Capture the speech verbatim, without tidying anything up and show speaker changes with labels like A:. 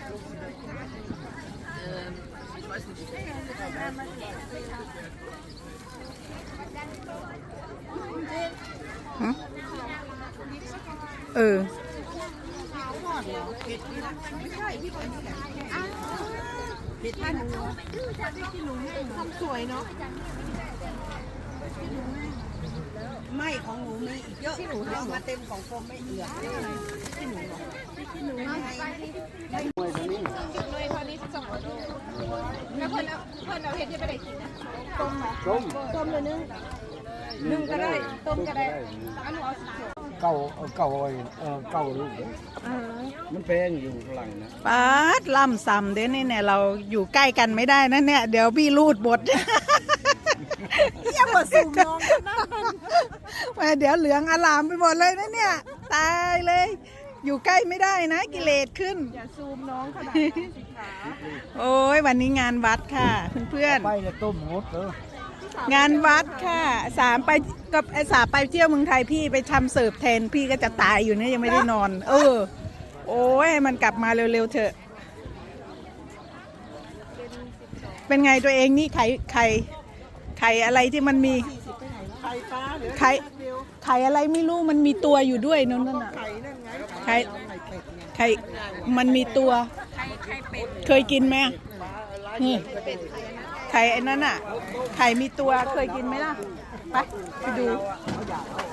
A: เออ
B: ผิดท่านทำสวยเนาะไม่ของหนูมีอีกเยอะที่หนูเอามาเต็มของโฟมไม่เหลือที่หนูที่หนูไม่เลยตอนนี้สองโลแล้วเพิ่นเอาเพิ่นเอาเห็ดที่ไปได้กินนะต้มไหมต้มต้มเลยนึ่งนึ่งก็ได้ต้มก็ได้อันหนูเอาสิ
C: เก่าเก่าเออเก่าลูกมันแพงอยู่ฝรั่งนะ
A: ปาดล่ำซ้ำเด้นี่เนี่ยเราอยู่ใกล้กันไม่ได้นะเนี่ยเดี๋ยวพี่รูดบท
B: อย่ามาสูงน้องนะ
A: มาเดี๋ยวเหลืองอลามไปหมดเลยนะเนี่ยตายเลยอยู่ใกล้ไม่ได้นะกิเลสขึ้น
B: อย่าซูมน้องขนาดนั้นสิขา
A: โอ้ยวันนี้งานวัดค่ะเพื่อน
C: ๆไปจะต้มหมดเอ
A: องานวัดค่ะสามไปกับไอ้สาไปเที่ยวเมืองไทยพี่ไปทำเสิร์ฟแทนพี่ก็จะตายอยู่เนี่ยยังไม่ได้นอนเออโอ้ยมันกลับมาเร็วๆเถอะเป็นไงตัวเองนี่ไข่ไข่ไข่อะไรที่มันมี
B: ไข่ปลาหรือ
A: ไข่ไข่อะไรไม่รู้มันมีตัวอยู่ด้วยนั่นน่ะ
B: ไข่นั่นไง
A: ไข่ไข่มันมีตัวเคยกินไหมนี่ไข่ไอ้นั่นน่ะไข่มีตัวเคยกินไหมล่ะไปไปดู